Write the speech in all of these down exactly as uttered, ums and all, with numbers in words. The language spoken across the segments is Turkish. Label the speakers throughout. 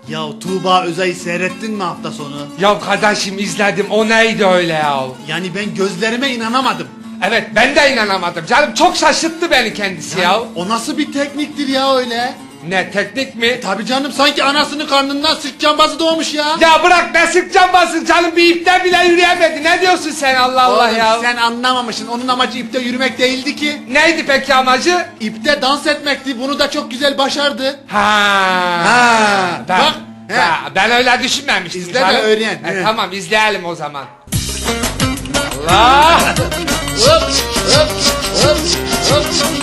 Speaker 1: Ya Tuğba Özay'ı seyrettin mi hafta sonu?
Speaker 2: Ya kardeşim izledim, o neydi öyle ya?
Speaker 1: Yani ben gözlerime inanamadım.
Speaker 2: Evet, ben de inanamadım canım, çok şaşırttı beni kendisi ya.
Speaker 1: O nasıl bir tekniktir ya öyle?
Speaker 2: Ne, teknik mi?
Speaker 1: Tabii canım, sanki anasının karnından sırt cambazı doğmuş ya.
Speaker 2: Ya bırak, ne sık cambazsın canım, bir ipten bile yürüyemedi. Ne diyorsun sen, Allah Allah
Speaker 1: Oğlum,
Speaker 2: ya?
Speaker 1: sen anlamamışsın, onun amacı ipte yürümek değildi ki.
Speaker 2: Neydi peki amacı?
Speaker 1: İpte dans etmekti, bunu da çok güzel başardı.
Speaker 2: Ha.
Speaker 1: Ha,
Speaker 2: Ben,
Speaker 1: bak, he.
Speaker 2: ha, ben öyle düşünmemiştim.
Speaker 1: İzle de
Speaker 2: canım.
Speaker 1: öğren,
Speaker 2: E,
Speaker 1: he.
Speaker 2: tamam, izleyelim o zaman. Allah.
Speaker 1: Hop hop hop hop.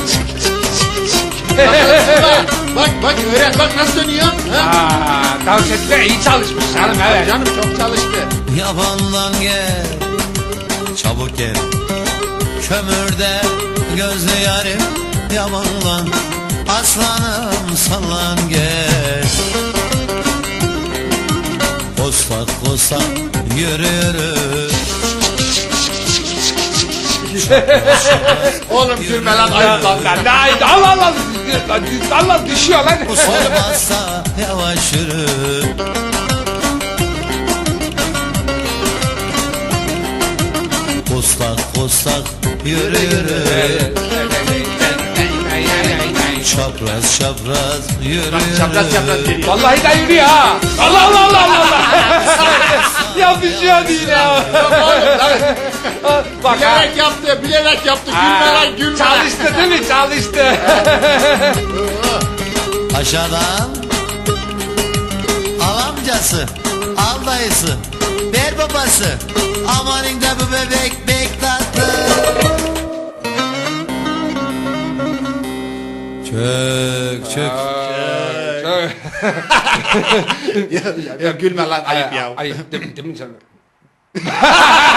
Speaker 1: Bak bak öğren, bak nasıl dönüyor. Ha?
Speaker 2: Aa, dans etmeye iyi çalışmış canım, evet.
Speaker 1: Canım çok çalıştı.
Speaker 3: Yabandan gel, çabuk gel. Kömürde gözlü yarim, yabandan. Aslanım sallan gel. Kostak kostak yürü yürü.
Speaker 1: Oğlum gülme lan, ayıp lan.
Speaker 2: Lan ne ayıp, Allah Allah. Allah düşüyor lan.
Speaker 3: Olmazsa yavaş yürü. Kostak kostak yürü yürü. Çapraz çapraz yürü yürü.
Speaker 1: Çapraz çapraz geliyor.
Speaker 2: Vallahi de yürüyor ha. Allah Allah Allah Allah Allah. Ya düşüyor değil ya. Bak ha.
Speaker 1: Bilerek yaptı, bilerek yaptı. Gülme lan, gülme.
Speaker 2: Çalıştı değil mi? Çalıştı.
Speaker 3: Aşağıdan al amcası, al dayısı, ver babası. Amanın da bu bebek bek tatlı. Çök çök.
Speaker 1: ya, ya gülme lan, ayıp ya.
Speaker 2: Ayıp değil mi, değil mi canım?